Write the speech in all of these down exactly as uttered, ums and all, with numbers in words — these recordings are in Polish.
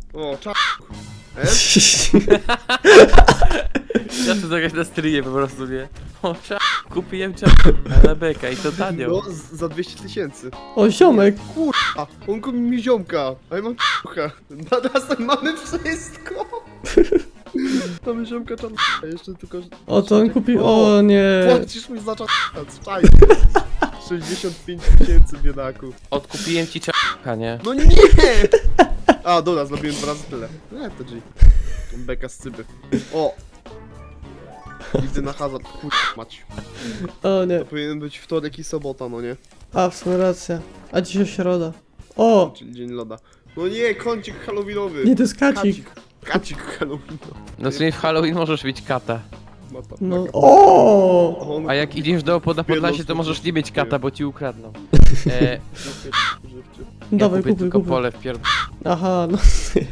O, czas. Ja to zagrać na streamie po prostu, nie? O, cza... Kupiłem cza... na beka i to tanio. No, z- za dwieście tysięcy. O, ziomek! Kurwa, on kupi mi ziomka, a ja mam c***a. Na nas tak mamy wszystko. Mamy ziomka czarna, jeszcze tylko... O, to on kupił. O nie! Płacisz mi za czas, czaj. sześćdziesiąt pięć tysięcy, biedaku. Odkupiłem ci cza... nie? No nie! A, dobra, zrobiłem dwa razy tyle. Nie, to G. Beka z cyby. O! Idę na hazard, kurwa mać. O nie. To powinien być wtorek i sobota, no nie? A, w sumie racja. A dzisiaj środa. O! Czyli dzień loda. No nie, kącik halloweenowy. Nie, to jest kacik. Kacik halloweenowy. No w sumie w Halloween możesz mieć kata. Mata, No. maka. O! On A jak idziesz do opoda Podlasie, to Pierdol, możesz nie mieć kata, bo ci ukradną. E, żywczy. ja Dawaj, kupię kupuj, tylko kupuj. pole w pierd... Aha, no.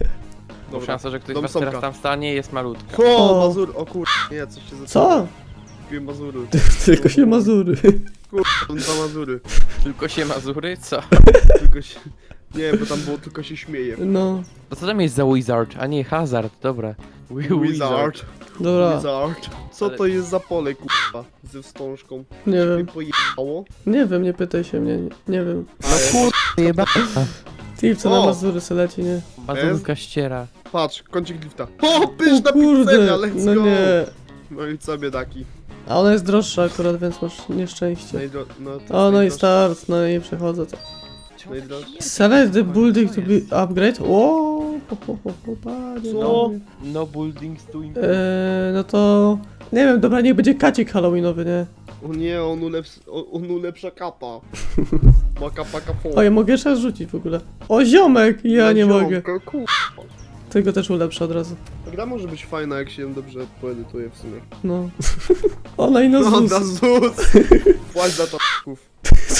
Bo Dobra. szansa, że ktoś z Dom was Somka. teraz tam stanie jest malutka. O, O. Mazur, o kur... Nie, coś się zaczęło. Co? Kupiłem Mazury. Tylko się Mazury. Kur... dwa Mazury. Tylko się Mazury? Co? Tylko się... Nie, bo tam było tylko się śmieje. No. No co tam jest za Wizard? A nie, Hazard, dobra. Wi- Wizard. Dobra. Wizard. Co Ale- to jest za pole, kurwa? Ze wstążką. Nie Mnie wiem. pojechało. Nie wiem, nie pytaj się mnie. Nie, nie wiem. No kur... jeba... Ty, co na O! Mazury se leci, nie? Mazurka ściera. Patrz, kącik lifta. O, pyszna O kurde, pizzeria, let's no go! nie. No i co, biedaki? A ona jest droższa akurat, więc masz nieszczęście. Najdro... No, to O, no i najdroższe- start, no i przechodzę to. najdroższe. Select the building to be upgrade. O, po, po, po, po, panie, Co? no. No buildings to improve. Eee, no to... Nie wiem, dobra, niech będzie kacik halloweenowy, nie? O nie, on, uleps... o- on ulepsza kapa. Ma kapa kapą. O, ja mogę jeszcze raz rzucić w ogóle. O, ziomek! Ja nie mogę. Kurwa. Tego też ulepszę od razu. Ta gra może być fajna, jak się ją dobrze poedytuje w sumie. No. Ona i na No, zus. na zus! Płać za czapków.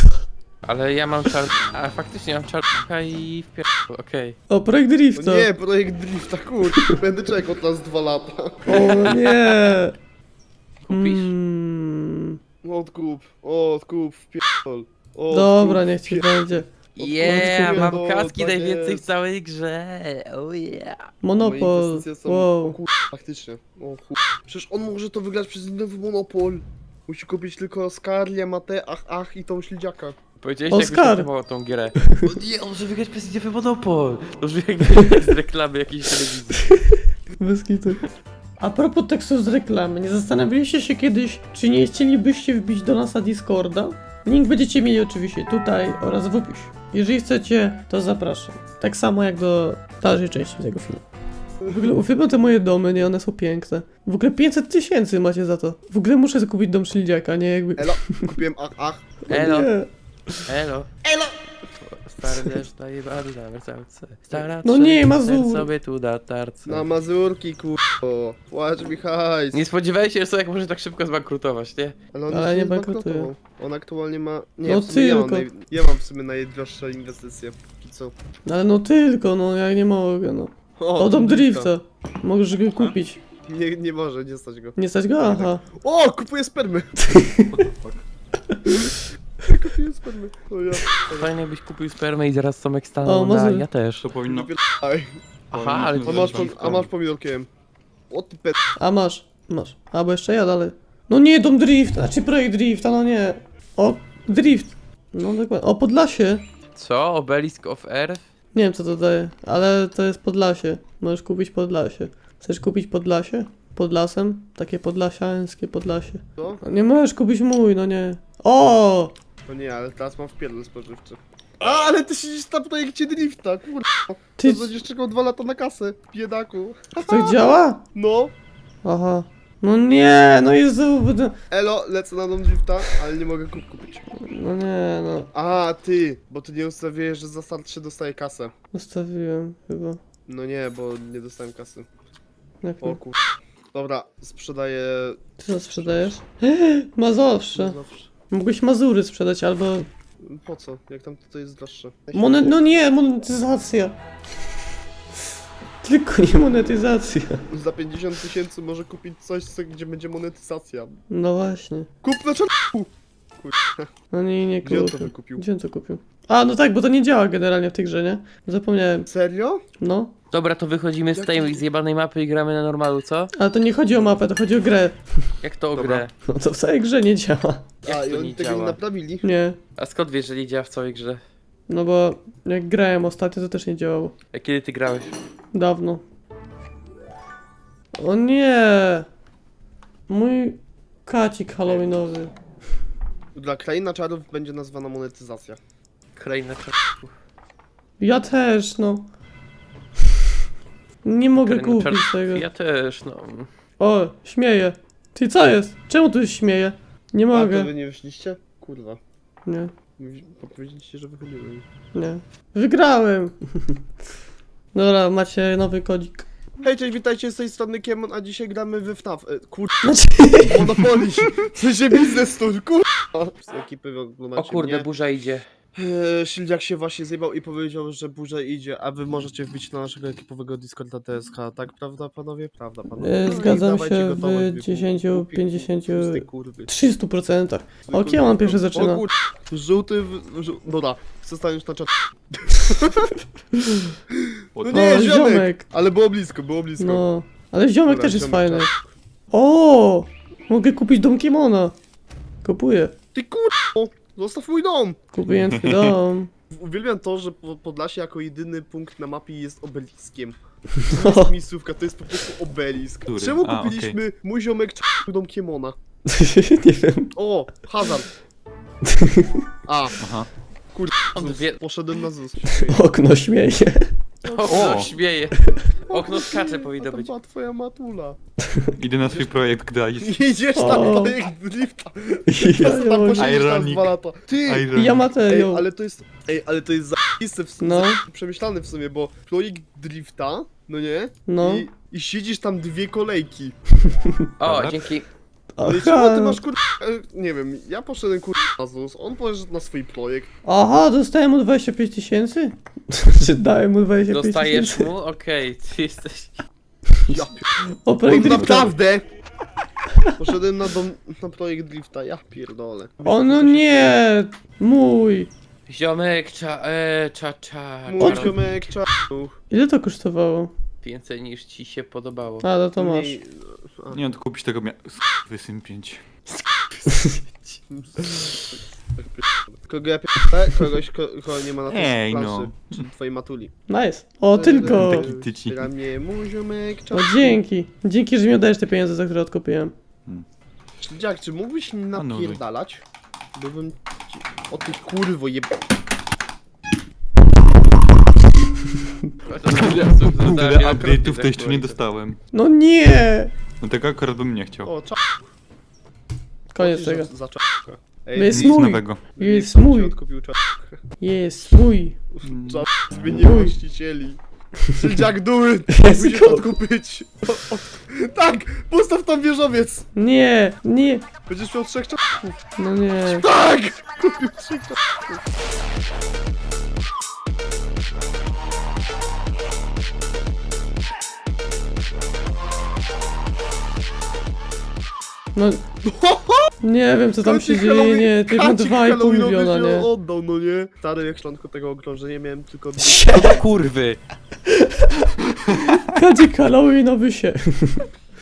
Ale ja mam czar... A faktycznie mam czarka i w pier... okej. O, projekt drifta. O nie, projekt drifta, kur... Będę czekał teraz dwa lata. O nie. Kupisz? Mm. Odkup, odkup, wpierdol. Odkup, Dobra, niech ci wpier- będzie. Yeah, mam no, kaski tak najwięcej jest. w całej grze. Oh yeah. Moje Monopol. inwestycje są... O Wow. kur... faktycznie. O kur... Przecież on może to wygrać przez nowy monopol. Musi kupić tylko Skarlię, Matę, ach, ach i tą śledziaka. Powiedziałeś, Oskar. jakbyś reklamał tą grę. O nie, on może wygrać przez Indie Monopol. To brzmi jak z reklamy jakiejś telewizji. Bez kitu. A propos tekstów z reklamy, nie zastanawialiście się kiedyś, czy nie chcielibyście wbić do nas na Discorda? Link będziecie mieli oczywiście tutaj oraz w opisie. Jeżeli chcecie, to zapraszam. Tak samo jak do dalszej części tego filmu. W ogóle uwielbiam te moje domy, nie? One są piękne. W ogóle pięćset tysięcy macie za to. W ogóle muszę kupić dom śledziaka, nie? Jakby... Elo, kupiłem ach, ach. Elo, Nie. elo. Elo! Stary deszcz daje bary na wersalce. Stara No nie, trzecia, Mazur. ten sobie tu da tarce. Na Mazurki, kurwa. Płacz mi hajs. Nie spodziewałeś się, że Sojak może tak szybko zbankrutować, nie? Ale on Ale jeszcze nie zbankrutował. bankrutuje. On aktualnie ma... Nie, No w sumie ja mam, tylko. naj... ja mam w sumie najdroższe inwestycje. I co? Ale no tylko, no ja nie mogę, no. O, dom drifta. Możesz go kupić. Nie, nie może, nie stać go. Nie stać go? Aha. O, kupuję spermy! Kupuję spermy. O ja. Fajnie jakbyś kupił spermę i zaraz Somek stanął O, na... Mazur. Ja też. To powinno... Aj. Aha, ale... A masz, pom- a masz pomidorkiem. O ty pet. A masz, masz. Albo jeszcze ja dalej. No nie, dom drift, znaczy projekt drifta, no nie. O, drift. No dokładnie. O, Podlasie. Co? Obelisk of Earth? Nie wiem co to daje, ale to jest Podlasie. Możesz kupić Podlasie. Chcesz kupić Podlasie? Pod lasem? Takie podlasiańskie Podlasie. Co? No nie możesz kupić mój, no nie. O! No nie, ale teraz mam wpierdol spożywczy. A, ale ty siedzisz na projekcie drifta, kurwa. Ty, Ty będziesz czekał dwa lata na kasę, biedaku. to działa? No. Aha. No nie, no Jezu, będę... Elo, lecę na dom drifta, ale nie mogę kup kupić. No nie, no. A, ty, bo ty nie ustawiłeś, że za start się dostaje kasę. Ustawiłem chyba. No nie, bo nie dostałem kasy. Jak O nie? kur... Dobra, sprzedaję... Ty co sprzedajesz? Mazowsze. Zawsze. Mógłbyś Mazury sprzedać albo... Po co? Jak tam to jest droższe? Monet... No nie, monetyzacja. Tylko nie monetyzacja. Za pięćdziesiąt tysięcy może kupić coś, co, gdzie będzie monetyzacja. No właśnie. Kup na czarku! Kurwa, No nie, nie gdzie on to kupił. wykupił? Gdzie on to kupił? A, no tak, bo to nie działa generalnie w tej grze, nie? Zapomniałem. Serio? No. Dobra, to wychodzimy z tej zjebanej mapy i gramy na normalu, co? Ale to nie chodzi o mapę, to chodzi o grę. Jak to o Dobra. grę? No to w całej grze nie działa. Jak A, i to oni nie tego działa? nie naprawili? Nie. A skąd wiesz, że nie działa w całej grze? No bo jak grałem ostatnio, to też nie działało. A kiedy ty grałeś? Dawno. O nie! Mój kacik halloweenowy. Dla Kraina Czarów będzie nazwana monetyzacja. Kraina czarów. Ja też, no. Nie mogę Kraina kupić czarów. tego. Ja też, no. O, śmieję. Ty co jest? Czemu tu się śmieje? Nie A, to mogę. wy nie wyszliście? Kurwa. Nie, Mówi- Powiedzieliście, że wychodzimy. nie. Wygrałem! Dobra, macie nowy kodzik. Hej, cześć, witajcie z tej strony Kiemon, a dzisiaj gramy w F N A F. E, kurwa, Znaczy... Monopoly! W sensie biznes tour, kurwa! Z ekipy oglądacie O kurde, mnie. burza idzie. Eee, Sildziak się właśnie zjebał i powiedział, że burza idzie, a wy możecie wbić na naszego ekipowego Discorda T S K, tak? Prawda, panowie? Prawda, panowie? E, No i zgadzam dawajcie się gotować, w wy dziesięć, głupi, pięćdziesiąt, tłustej kurwy. trzystu procentach. O, Zwykły Kiemon gówno. pierwszy zaczyna. O kur... Żółty w... Żół... Dobra, chcę stanąć na czat. No nie, O, ziomek! ziomek. Ale było blisko, było blisko. No. Ale ziomek Dobra, też jest ziomek fajny. czas. O! Mogę kupić dom Kiemona. Kupuję. Ty kurwa! Zostaw mój dom! Kupiłem twój dom. Uwielbiam to, że Po- Podlasie jako jedyny punkt na mapie jest obeliskiem. To jest miejscówka, to jest po prostu obelisk. Który? Czemu A, kupiliśmy mój ziomek czy dom Kiemona? Nie wiem. O, hazard. A, Aha. kurde, On Zus, wie- poszedłem na ZUS. Okno śmieje. Okno O! śmieje. Okno skacze A powinno to być. była twoja matula. Idę na swój projekt grać. Idziesz tam O. projekt drifta. Ja, Ja tam posiedzisz tam Ironic. dwa lata. Ty! Iron. ja Ej, materiał. ale to jest, ej, ale to jest zajebiste w sumie, No. przemyślane w sumie, bo projekt drifta, no nie? No. I, I siedzisz tam dwie kolejki. O, Dobra. dzięki. No i czemu ty Aha, masz kur... e, Nie wiem, ja poszedłem kur... na ZUS, on poszedł na swój projekt. aha, dostałem mu dwadzieścia pięć tysięcy? Czy dałem mu dwadzieścia pięć Dostajesz tysięcy? mu? Okej, ty jesteś... Ja pier... O, No projekt drifta. naprawdę! Poszedłem na, dom... na projekt drifta, ja pierdolę. O no nie! Mój! Ziomek, cza... e, cza, cza... Mój cza- ziomek czarnuch. Ile to kosztowało? Więcej niż ci się podobało. A, no to masz. Mniej- a. Nie mam tu kupić tego mia... Wysym pięć. Kogo ja pierdolę? Kogoś, ko- kogo nie ma na tej Ej, planszy. no. Czyli twojej matuli. Nice. O, tylko! Taki tyci. Dla mnie mój ziomek O, czarnuch. dzięki. Dzięki, że mi oddajesz te pieniądze, za które odkupiłem. Śledziak, czy mógłbyś mi Anuluj. napierdalać? Byłbym ci... O ty kurwo jeb... Google update'ów to jeszcze nie dostałem. No nie! No tego akurat bym nie chciał. O, cza... Koniec tego. Za, za czapkę. Ej, Jest Nic mój. nowego. Jest sam mój. ci odkupił czapkę. Jest mój. Czap zmienił Mój. właścicieli. Śledziak duły! Jest Musisz mój. odkupić. O, o, tak! Postaw tam wieżowiec! Nie, nie. Będziesz miał trzech czapków. No nie. Tak! Kupił trzech czapków. No. Nie wiem co tam się Kacik dzieje, Halloween- nie. Ty ma Kacik dwa i pół Halloweenowy miliona, się nie. oddał, no nie? Stary, jak szklanko tego okrążenia miałem tylko dwie. No kurwy! Kadzik Halloweenowy się.